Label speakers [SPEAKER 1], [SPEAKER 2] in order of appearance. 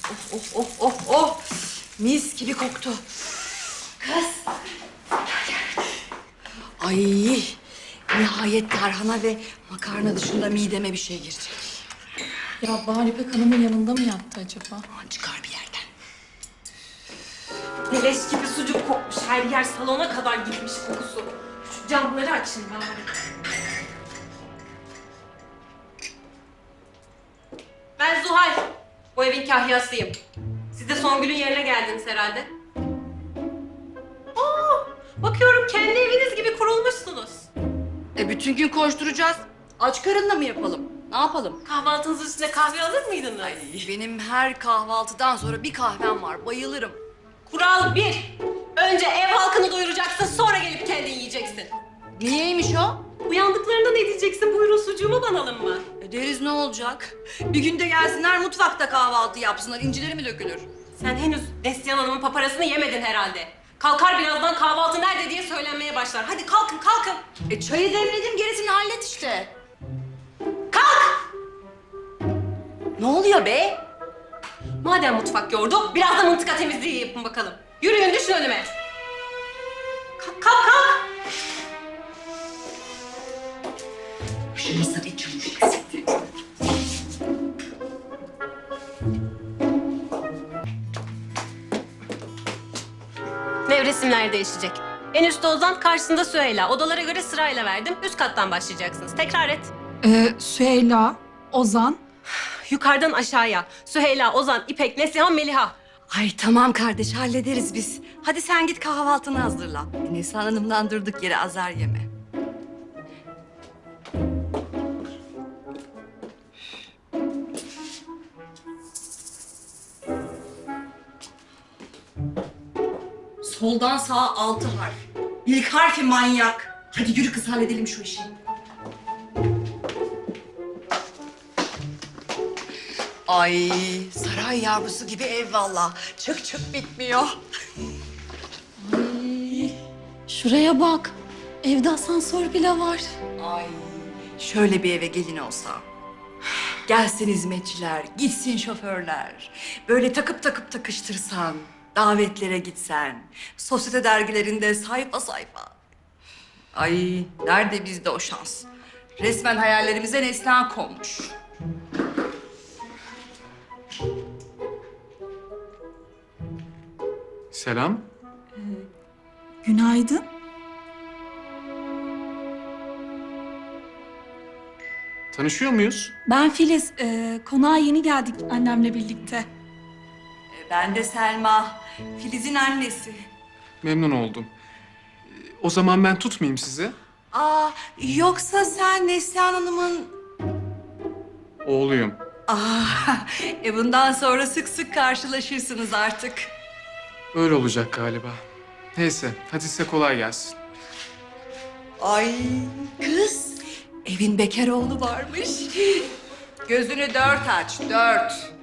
[SPEAKER 1] Oh. Mis gibi koktu. Kız. Ay, nihayet tarhana ve makarna dışında mideme bir şey girecek.
[SPEAKER 2] Ya Bahar İpek Hanım'ın yanında mı yattı acaba?
[SPEAKER 1] Aman çıkar bir yerden.
[SPEAKER 3] Leş gibi sucuk kokmuş. Her yer salona kadar gitmiş kokusu. Şu camları açın bari. Ben Zuhal. Bu evin kahyasıyım. Siz de Songül'ün yerine geldiniz herhalde. Bakıyorum kendi eviniz gibi kurulmuşsunuz.
[SPEAKER 1] Bütün gün koşturacağız. Aç karınla mı yapalım? Ne yapalım?
[SPEAKER 3] Kahvaltınızın üstüne kahve alır mıydınız?
[SPEAKER 1] Benim her kahvaltıdan sonra bir kahvem var. Bayılırım.
[SPEAKER 3] Kural 1. Önce ev halkını doyuracaksın, sonra gelip kendin yiyeceksin.
[SPEAKER 1] Niyeymiş o?
[SPEAKER 3] Uyandıklarında ne diyeceksin? Buyurun sucuğumu banalım mı?
[SPEAKER 1] Deriz ne olacak? Bir günde gelsinler mutfakta kahvaltı yapsınlar. İncileri mi dökülür?
[SPEAKER 3] Sen henüz Neslihan Hanım'ın paparasını yemedin herhalde. Kalkar birazdan kahvaltı nerede diye söylenmeye başlar. Hadi kalkın.
[SPEAKER 1] Çayı demledim, gerisini hallet işte.
[SPEAKER 3] Kalk!
[SPEAKER 1] Ne oluyor be?
[SPEAKER 3] Madem mutfak yordu, biraz da mıntıka temizliği yapın bakalım. Yürüyün, düşün önüme. Kalk!
[SPEAKER 1] Şu masada hiç çamaşır eksikti.
[SPEAKER 3] Nevresimler değişecek. En üstte Ozan, karşısında Süheyla. Odalara göre sırayla verdim. Üst kattan başlayacaksınız. Tekrar et.
[SPEAKER 2] Süheyla, Ozan.
[SPEAKER 3] Yukarıdan aşağıya. Süheyla, Ozan, İpek, Neslihan, Meliha.
[SPEAKER 1] Ay tamam kardeş, hallederiz biz. Hadi sen git kahvaltını hazırla. Neslihan Hanım'dan durduk yere azar yeme. Soldan sağa 6 harf. İlk harfi manyak. Hadi yürü kız, halledelim şu işi. Ay, saray yavrusu gibi ev valla. Çık bitmiyor.
[SPEAKER 2] Şuraya bak. Evde asansör bile var.
[SPEAKER 1] Ay, şöyle bir eve gelin olsa. Gelsin hizmetçiler, gitsin şoförler. Böyle takıp takıştırsan, davetlere gitsen, sosyete dergilerinde sayfa sayfa. Ay, nerede bizde o şans? Resmen hayallerimize Neslihan konmuş.
[SPEAKER 4] Selam.
[SPEAKER 2] Günaydın.
[SPEAKER 4] Tanışıyor muyuz?
[SPEAKER 2] Ben Filiz. Konağa yeni geldik annemle birlikte.
[SPEAKER 1] Ben de Selma, Filiz'in annesi.
[SPEAKER 4] Memnun oldum. O zaman ben tutmayayım sizi.
[SPEAKER 1] Yoksa sen Neslihan Hanım'ın...
[SPEAKER 4] Oğluyum.
[SPEAKER 1] Bundan sonra sık sık karşılaşırsınız artık.
[SPEAKER 4] Öyle olacak galiba. Neyse, hadi size kolay gelsin.
[SPEAKER 1] Ay kız, evin bekar oğlu varmış. Gözünü 4 aç, 4.